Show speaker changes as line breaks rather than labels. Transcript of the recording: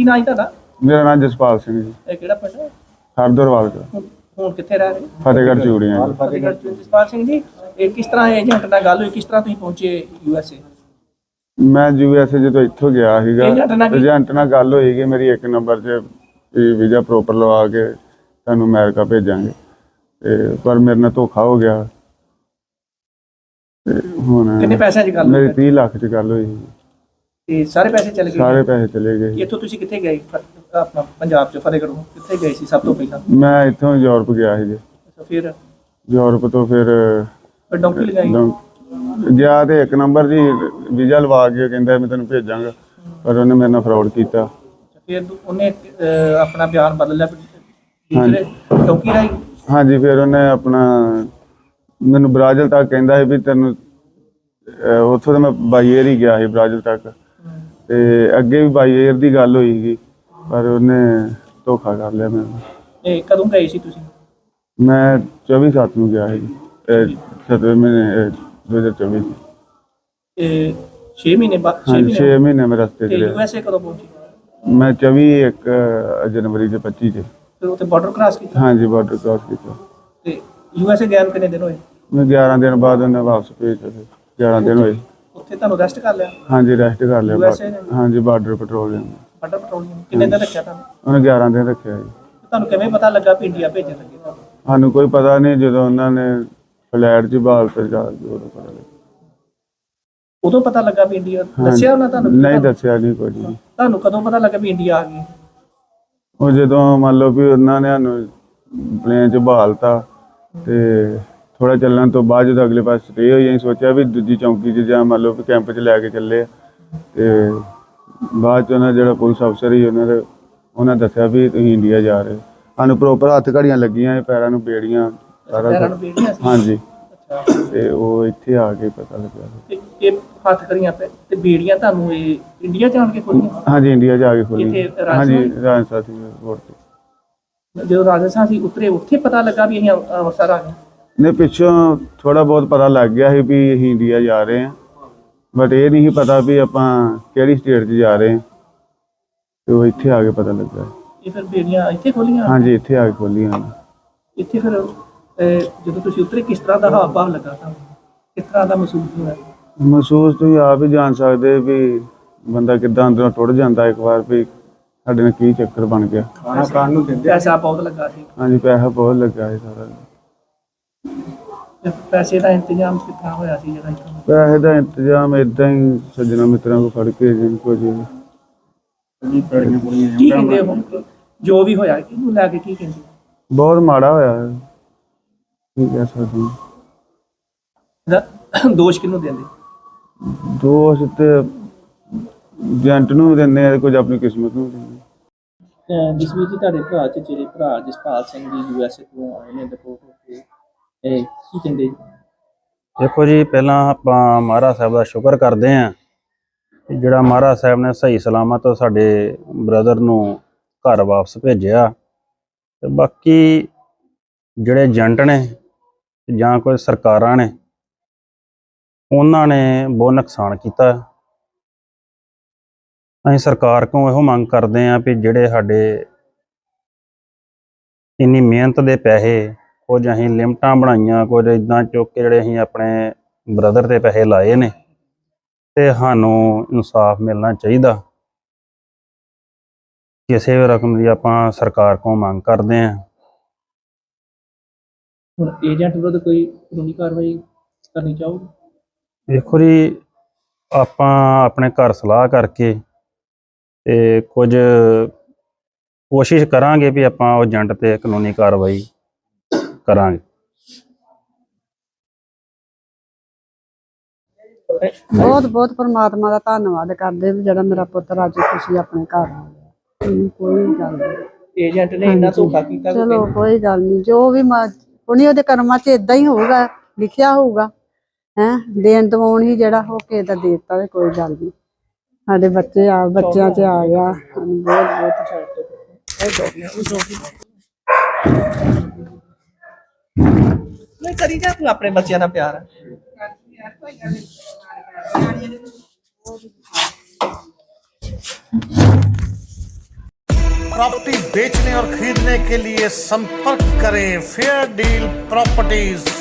ਨਾਂ ਹੈ ਤੁਹਾਡਾ?
ਮੇਰਾ ਨਾਮ ਜਸਪਾਲ ਸਿੰਘ ਜੀ।
ਇਹ ਕਿਹੜਾ ਪਿੰਡ ਹੈ?
ਹਰਦਰਵਾਲ ਦਾ।
ਹੁਣ ਕਿੱਥੇ ਰਹਿ ਰਹੇ?
ਫਤਿਹਗੜ੍ਹ ਚੂੜੀਆਂ ਜੀ।
ਫਤਿਹਗੜ੍ਹ ਚ। ਜਸਪਾਲ ਸਿੰਘ ਜੀ, ਇਹ ਕਿਸ ਤਰ੍ਹਾਂ ਏਜੰਟ ਨਾਲ ਗੱਲ ਹੋਈ, ਕਿਸ ਤਰ੍ਹਾਂ ਤੁਸੀਂ ਪਹੁੰਚੇ USA?
ਮੈਂ USA ਜਦੋਂ ਇੱਥੋਂ ਗਿਆ ਸੀਗਾ, ਏਜੰਟ ਨਾਲ ਗੱਲ ਹੋਈ ਕਿ ਮੇਰੀ 1 ਨੰਬਰ 'ਚ ਵੀਜ਼ਾ ਪ੍ਰੋਪਰ ਲਵਾ ਕੇ ਤੁਹਾਨੂੰ ਅਮਰੀਕਾ ਭੇਜਾਂਗੇ, ਤੇ ਪਰ ਮੇਰੇ ਨਾਲ ਧੋਖਾ ਹੋ ਗਿਆ। ਤੇ ਹੁਣ
ਕਿੰਨੇ ਪੈਸਿਆਂ 'ਚ ਗੱਲ
ਮੇਰੀ
ਹੋਈ?
30 ਲੱਖ 'ਚ ਗੱਲ ਹੋਈ।
ਤੇ ਸਾਰੇ ਪੈਸੇ ਚਲੇ ਗਏ?
ਸਾਰੇ ਪੈਸੇ ਚਲੇ ਗਏ।
ਇੱਥੋਂ ਤੁਸੀਂ ਕਿੱਥੇ ਗਏ? ਆਪਣਾ ਪੰਜਾਬ 'ਚ ਫਤਿਹਗੜ੍ਹੋਂ ਕਿੱਥੇ ਗਏ ਸੀ ਸਭ ਤੋਂ ਪਹਿਲਾਂ?
ਮੈਂ ਇੱਥੋਂ ਯੂਰਪ ਗਿਆ ਸੀ ਜੀ।
ਅੱਛਾ, ਫਿਰ
ਯੂਰਪ ਤੋਂ ਫਿਰ
ਡੌਂਕੀ ਲਗਾਈ?
ਗਿਆ ਤੇ 1 ਨੰਬਰ ਜੀ ਵੀਜ਼ਾ ਲਵਾ ਕੇ ਕਹਿੰਦਾ ਮੈਂ ਤੈਨੂੰ ਭੇਜਾਂਗਾ, ਪਰ ਉਹਨੇ ਮੇਰੇ ਨਾਲ ਫਰਾਡ ਕੀਤਾ।
ਫਿਰ ਉਹਨੇ ਆਪਣਾ ਬਿਆਨ ਬਦਲ ਲਿਆ ਦੂਸਰੇ ਡੌਂਕੀ ਰਾਹੀਂ?
ਹਾਂਜੀ, ਫਿਰ ਉਹਨੇ ਆਪਣਾ ਮੈਨੂੰ ਬ੍ਰਾਜ਼ਿਲ ਤੱਕ ਕਹਿੰਦਾ ਸੀ ਵੀ ਤੈਨੂੰ ਉੱਥੋਂ ਤਾਂ ਮੈਂ ਬਾਈ ਏਅਰ ਹੀ ਗਿਆ ਸੀ ਬ੍ਰਾਜ਼ਿਲ ਤੱਕ, ਤੇ ਅੱਗੇ ਵੀ ਬਾਈ ਏਅਰ ਦੀ ਗੱਲ ਹੋਈ ਸੀ, ਪਰ ਉਹਨੇ ਧੋਖਾ ਕਰ ਲਿਆ ਮੈਨੂੰ।
ਇਹ ਕਦੋਂ ਗਏ ਸੀ ਤੁਸੀਂ?
ਮੈਂ 24/7 ਨੂੰ ਗਿਆ ਸੀ, 7ਵੇਂ ਮਹੀਨੇ 2024 ਚ।
ਇਹ 6 ਮਹੀਨੇ ਬਾਅਦ?
6 ਮਹੀਨੇ ਮੈਂ ਰਸਤੇ 'ਚ ਰਿਹਾ।
USA ਕਦੋਂ ਪਹੁੰਚੇ?
ਮੈਂ 24 ਜਨਵਰੀ ਦੇ 25 ਚ।
ਫਿਰ ਉੱਥੇ ਬਾਰਡਰ ਕ੍ਰਾਸ ਕੀਤਾ?
ਹਾਂਜੀ, ਬਾਰਡਰ ਕ੍ਰਾਸ ਕੀਤਾ।
ਤੇ USA ਗਏ ਨੂੰ ਕਿੰਨੇ ਦਿਨ ਹੋਏ?
ਮੈਂ 11 ਦਿਨ ਬਾਅਦ ਉਹਨੇ ਵਾਪਸ ਭੇਜਿਆ। 11 ਦਿਨ ਹੋਏ।
ਉੱਥੇ ਤੁਹਾਨੂੰ ਰੈਸਟ ਕਰ ਲਿਆ?
ਹਾਂਜੀ, ਰੈਸਟ ਕਰ ਲਿਆ।
USA ਨੇ?
ਹਾਂਜੀ, ਬਾਰਡਰ ਪੈਟਰੋਲਿੰਗ।
ਬਾਰਡਰ ਪੈਟਰੋਲਿੰਗ ਕਿੰਨੇ ਦਿਨ ਰੱਖਿਆ ਤੁਹਾਨੂੰ?
ਉਹਨੇ 11 ਦਿਨ ਰੱਖਿਆ ਜੀ।
ਤੁਹਾਨੂੰ ਕਿਵੇਂ ਪਤਾ ਲੱਗਾ ਵੀ ਇੰਡੀਆ ਭੇਜਣ ਲੱਗੇ ਤੁਹਾਨੂੰ?
ਸਾਨੂੰ ਕੋਈ ਪਤਾ ਨਹੀਂ, ਜਦੋਂ ਉਹਨਾਂ ਨੇ ਫਲੈਟ 'ਚ ਬਾਲ ਤੇ ਜਾ ਕੇ ਉਦੋਂ ਪਤਾ ਲੱਗਾ।
ਉਦੋਂ ਪਤਾ ਲੱਗਾ ਵੀ ਇੰਡੀਆ? ਦੱਸਿਆ ਉਹਨਾਂ ਤੁਹਾਨੂੰ?
ਨਹੀਂ ਦੱਸਿਆ ਨਹੀਂ ਕੁਝ ਵੀ।
ਤੁਹਾਨੂੰ ਕਦੋਂ ਪਤਾ ਲੱਗਾ ਵੀ ਇੰਡੀਆ ਆ ਗਈ?
ਉਹ ਜਦੋਂ ਮੰਨ ਲਓ ਵੀ ਉਹਨਾਂ ਨੇ ਸਾਨੂੰ ਪਲੇਨ 'ਚ ਬਹਾਲਤਾ, ਤੇ ਥੋੜਾ ਚੱਲਣ ਤੋਂ ਬਾਅਦ ਜਦੋਂ ਅਗਲੇ ਪਾਸੇ ਸਟੇ ਹੋਈ, ਅਸੀਂ ਸੋਚਿਆ ਵੀ ਦੂਜੀ ਚੌਂਕੀ 'ਚ ਜਾਂ ਮੰਨ ਲਓ ਵੀ ਕੈਂਪ 'ਚ ਲੈ ਕੇ ਚੱਲੇ ਆ, ਤੇ ਬਾਅਦ 'ਚ ਉਹਨਾਂ ਜਿਹੜਾ ਪੁਲਿਸ ਅਫਸਰ ਸੀ ਉਹਨਾਂ ਦੱਸਿਆ ਵੀ ਤੁਸੀਂ ਇੰਡੀਆ ਜਾ ਰਹੇ ਹੋ। ਸਾਨੂੰ ਪ੍ਰੋਪਰ ਹੱਥ ਘੜੀਆਂ ਲੱਗੀਆਂ, ਪੈਰਾਂ ਨੂੰ ਬੇੜੀਆਂ, ਸਾਰਾ
ਪੈਰਾਂ ਨੂੰ ਬੇੜੀਆਂ ਸੀ?
ਹਾਂਜੀ।
ਅੱਛਾ,
ਤੇ ਉਹ ਇੱਥੇ ਆ ਕੇ ਪਤਾ ਲੱਗਾ।
ਤੇ ਇਹ ਹੱਥ ਕਰੀਆਂ ਤੇ ਬੇੜੀਆਂ ਤੁਹਾਨੂੰ ਇਹ ਇੰਡੀਆ ਜਾਣ ਕੇ ਖੋਲੀਆਂ?
ਹਾਂਜੀ, ਇੰਡੀਆ ਜਾ ਕੇ ਖੋਲੀ।
ਇੱਥੇ
ਹਾਂਜੀ, ਰਾਜਸਥਾਨ ਸੀ 에ਅਰਪੋਰਟ ਤੇ।
ਜਦੋਂ ਰਾਜਸਥਾਨ ਸੀ ਉਤਰੇ, ਉੱਥੇ ਪਤਾ ਲੱਗਾ ਵੀ ਅਸੀਂ ਅੰਮ੍ਰਿਤਸਰ ਆ ਗਏ?
ਨੇ ਪਿੱਛੋਂ ਥੋੜਾ ਬਹੁਤ ਪਤਾ ਲੱਗ ਗਿਆ ਸੀ ਵੀ ਅਸੀਂ ਇੰਡੀਆ ਜਾ ਰਹੇ ਹਾਂ, ਬਟ ਇਹ ਨਹੀਂ ਪਤਾ ਵੀ ਆਪਾਂ ਕਿਹੜੀ ਸਟੇਟ 'ਚ ਜਾ ਰਹੇ ਹਾਂ, ਤੇ ਉਹ ਇੱਥੇ ਆ ਕੇ ਪਤਾ ਲੱਗਾ।
ਇਹ ਫਿਰ ਬੇੜੀਆਂ ਇੱਥੇ ਖੋਲੀਆਂ?
ਹਾਂਜੀ, ਇੱਥੇ ਆ ਕੇ ਖੋਲੀਆਂ।
ਇੱਥੇ ਫਿਰ ਜਦੋਂ ਤੁਸੀਂ ਉਤਰੇ ਕਿਸ ਤਰ੍ਹਾਂ ਦਾ ਹਾਵ ਭਾਵ ਲੱਗਾ ਤੁਹਾਨੂੰ? ਕਿਸ ਤਰ੍ਹਾਂ ਦਾ ਮਹਿਸੂਸ ਹੋਇਆ?
ਮਹਿਸੂਸ ਤੁਸੀਂ ਆਪ ਹੀ ਜਾਣ ਸਕਦੇ ਵੀ ਬੰਦਾ ਕਿੱਦਾਂ ਅੰਦਰੋਂ ਟੁੱਟ ਜਾਂਦਾ ਇੱਕ ਵਾਰ, ਵੀ ਸਾਡੇ ਨਾਲ ਕੀ ਚੱਕਰ ਬਣ ਗਿਆ।
ਖਾਣਾ ਖਾਣ ਨੂੰ ਦਿੰਦੇ? ਪੈਸਾ ਬਹੁਤ ਲੱਗਾ ਸੀ?
ਹਾਂਜੀ, ਪੈਸਾ ਬਹੁਤ ਲੱਗਾ ਸੀ ਸਾਰਾ।
ਪੈਸੇ ਦਾ ਇੰਤਜ਼ਾਮ ਕਿੱਥਾਂ ਹੋਇਆ ਸੀ ਜਿਹੜਾ ਇੱਥੋਂ?
ਪੈਸੇ ਦਾ ਇੰਤਜ਼ਾਮ ਏਦਾਂ ਹੀ ਸੱਜਣਾ ਮਿੱਤਰਾਂ ਕੋਲ ਫੜ ਕੇ ਜਿੰਨ ਕੁਝ
ਕੀ ਕਹਿੰਦੇ ਹੁਣ ਜੋ ਵੀ ਹੋਇਆ ਇਹਨੂੰ ਲੈ ਕੇ ਕੀ ਕਹਿੰਦੇ?
ਬਹੁਤ ਮਾੜਾ ਹੋਇਆ ਹੈ, ਕੀ ਕਹਿ ਸਕਦੇ ਹਾਂ।
ਦੋਸ਼ ਕਿਹਨੂੰ ਦਿੰਦੇ?
ਦੋਸ਼ ਤੇ ਏਜੰਟ ਨੂੰ ਦਿੰਦੇ ਆ, ਕੁਝ ਆਪਣੀ ਕਿਸਮਤ ਨੂੰ ਦਿੰਦੇ।
ਜਸਵੀਰ ਜੀ, ਤੁਹਾਡੇ ਭਰਾ ਚਚੇਰੇ ਭਰਾ ਜਸਪਾਲ ਸਿੰਘ ਜੀ USA ਤੋਂ ਆਏ ਨੇ ਰਿਪੋਰਟ ਹੋ ਕੇ, ਇਹ ਕੀ ਕਹਿੰਦੇ ਜੀ?
ਦੇਖੋ ਜੀ, ਪਹਿਲਾਂ ਆਪਾਂ ਮਹਾਰਾਜ ਸਾਹਿਬ ਦਾ ਸ਼ੁਕਰ ਕਰਦੇ ਹਾਂ ਕਿ ਜਿਹੜਾ ਮਹਾਰਾਜ ਸਾਹਿਬ ਨੇ ਸਹੀ ਸਲਾਮਤ ਸਾਡੇ ਬ੍ਰਦਰ ਨੂੰ ਘਰ ਵਾਪਸ ਭੇਜਿਆ। ਤੇ ਬਾਕੀ ਜਿਹੜੇ ਏਜੰਟ ਨੇ ਜਾਂ ਕੋਈ ਸਰਕਾਰਾਂ ਨੇ, ਉਹਨਾਂ ਨੇ ਬਹੁਤ ਨੁਕਸਾਨ ਕੀਤਾ। ਅਸੀਂ ਸਰਕਾਰ ਕੋਲੋਂ ਇਹੋ ਮੰਗ ਕਰਦੇ ਹਾਂ ਵੀ ਜਿਹੜੇ ਸਾਡੇ ਇੰਨੀ ਮਿਹਨਤ ਦੇ ਪੈਸੇ, ਕੁਝ ਅਸੀਂ ਲਿਮਟਾਂ ਬਣਾਈਆਂ, ਕੁਝ ਇੱਦਾਂ ਚੁੱਕ ਕੇ ਜਿਹੜੇ ਅਸੀਂ ਆਪਣੇ ਬ੍ਰਦਰ ਦੇ ਪੈਸੇ ਲਾਏ ਨੇ, ਤੇ ਸਾਨੂੰ ਇਨਸਾਫ ਮਿਲਣਾ ਚਾਹੀਦਾ। ਕਿਸੇ ਵੀ ਰਕਮ ਦੀ ਆਪਾਂ ਸਰਕਾਰ ਕੋਲ ਮੰਗ ਕਰਦੇ ਹਾਂ।
ਹੁਣ ਏਜੰਟ ਵਿਰੁੱਧ ਕੋਈ ਕਾਨੂੰਨੀ ਕਾਰਵਾਈ ਕਰਨੀ ਚਾਹੋਗੇ?
ਦੇਖੋ ਜੀ, ਆਪਾਂ ਆਪਣੇ ਘਰ ਸਲਾਹ ਕਰਕੇ ਤੇ ਕੁਝ ਕੋਸ਼ਿਸ਼ ਕਰਾਂਗੇ ਵੀ ਆਪਾਂ ਉਹ ਏਜੰਟ ਤੇ ਕਾਨੂੰਨੀ ਕਾਰਵਾਈ ਕਰਾਂਗੇ।
ਬਹੁਤ ਬਹੁਤ ਪਰਮਾਤਮਾ ਦਾ ਧੰਨਵਾਦ ਕਰਦੇ ਵੀ ਜਿਹੜਾ ਮੇਰਾ ਪੁੱਤਰ ਅੱਜ ਖੁਸ਼ੀ ਆਪਣੇ ਘਰ ਆ ਗਿਆ। ਕੋਈ ਗੱਲ ਨਹੀਂ,
ਏਜੰਟ ਨੇ ਇੰਨਾ ਧੋਖਾ ਕੀਤਾ?
ਚਲੋ ਕੋਈ ਗੱਲ ਨਹੀਂ, ਜੋ ਵੀ ਉਹਨੇ ਉਹਦੇ ਕਰਮਾਂ 'ਚ ਇਦਾਂ ਹੀ ਹੋਊਗਾ, ਲਿਖਿਆ ਹੋਊਗਾ। ਦੇਣ ਦਵਾਉਣ ਹੀ ਜਿਹੜਾ ਹੋ ਕੇ ਤਾਂ ਦੇ ਦਿੱਤਾ, ਕੋਈ ਗੱਲ ਨਹੀਂ। ਸਾਡੇ ਬੱਚਿਆਂ 'ਚ ਆ ਗਿਆ, ਸਾਨੂੰ ਬਹੁਤ ਬਹੁਤ
ਨਹੀਂ ਕਰੀ ਜਾ, ਤੂੰ ਆਪਣੇ ਬੱਚਿਆਂ ਦਾ ਪਿਆਰ ਹੈ।
प्रॉपर्टी बेचने और खरीदने के लिए संपर्क करें फेयर डील प्रॉपर्टीज।